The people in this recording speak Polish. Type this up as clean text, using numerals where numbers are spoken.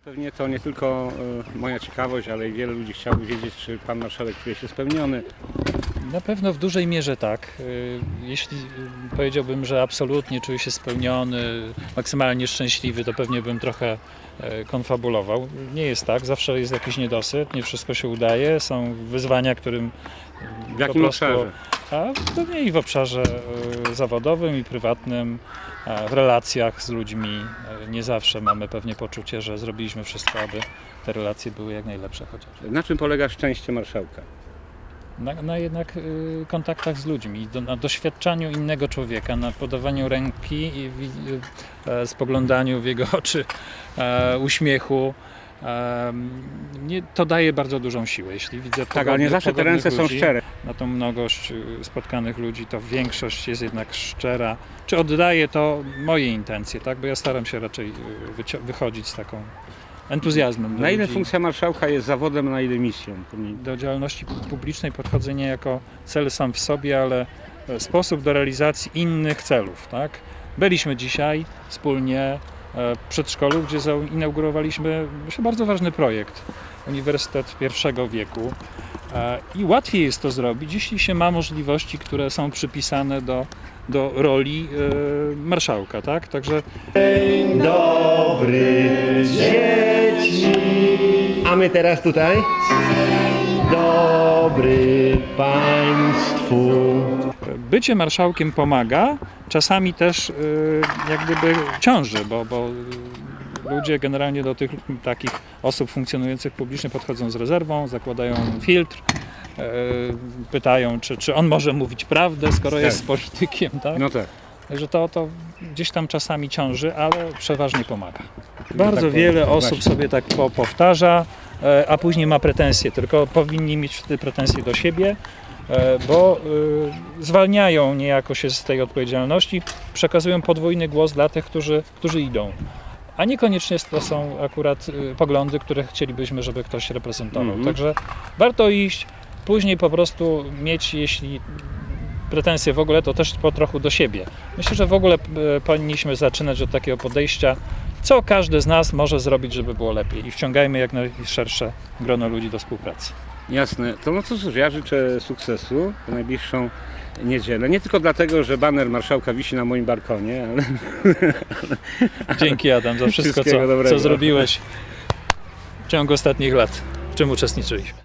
Pewnie to nie tylko moja ciekawość, ale i wiele ludzi chciałoby wiedzieć, czy pan marszałek czuje się spełniony. Na pewno w dużej mierze tak. Jeśli powiedziałbym, że absolutnie czuję się spełniony, maksymalnie szczęśliwy, to pewnie bym trochę konfabulował. Nie jest tak, zawsze jest jakiś niedosyt, nie wszystko się udaje, są wyzwania, którym W jakim obszarze? A pewnie i w obszarze zawodowym i prywatnym, w relacjach z ludźmi. Nie zawsze mamy pewnie poczucie, że zrobiliśmy wszystko, aby te relacje były jak najlepsze chociaż. Na czym polega szczęście marszałka? Na jednak kontaktach z ludźmi, na doświadczaniu innego człowieka, na podawaniu ręki i spoglądaniu w jego oczy, uśmiechu. To daje bardzo dużą siłę, jeśli widzę Tak, ale nie zawsze te ręce są szczere. Na tą mnogość spotkanych ludzi to większość jest jednak szczera. Czy oddaje to moje intencje, tak? Bo ja staram się raczej wychodzić z taką entuzjazmem do Na ile ludzi. funkcja marszałka jest zawodem, na ile misją? Do działalności publicznej podchodzę nie jako cel sam w sobie, ale sposób do realizacji innych celów. Tak? Byliśmy dzisiaj wspólnie w przedszkolu, gdzie zainaugurowaliśmy myślę, bardzo ważny projekt, Uniwersytet I wieku. I łatwiej jest to zrobić, jeśli się ma możliwości, które są przypisane do roli marszałka. Tak? Także Dzień dobry dzieci. A my teraz tutaj? Dzień dobry Państwu. bycie marszałkiem pomaga, czasami też jak gdyby ciąży, bo ludzie generalnie do tych takich osób funkcjonujących publicznie podchodzą z rezerwą, zakładają filtr, pytają, czy on może mówić prawdę, skoro jest politykiem. Tak? No tak. Także to gdzieś tam czasami ciąży, ale przeważnie pomaga. Bardzo wiele osób sobie tak powtarza, a później ma pretensje, tylko powinni mieć wtedy pretensje do siebie, bo zwalniają niejako się z tej odpowiedzialności, przekazują podwójny głos dla tych, którzy idą. A niekoniecznie to są akurat poglądy, które chcielibyśmy, żeby ktoś reprezentował. Także warto iść, później po prostu mieć, jeśli pretensje w ogóle, to też po trochu do siebie. Myślę, że w ogóle powinniśmy zaczynać od takiego podejścia, co każdy z nas może zrobić, żeby było lepiej i wciągajmy jak najszersze grono ludzi do współpracy. Jasne. To no cóż, ja życzę sukcesu w najbliższą niedzielę. Nie tylko dlatego, że baner marszałka wisi na moim balkonie, ale... Dzięki Adam za wszystko, co zrobiłeś w ciągu ostatnich lat, w czym uczestniczyliśmy.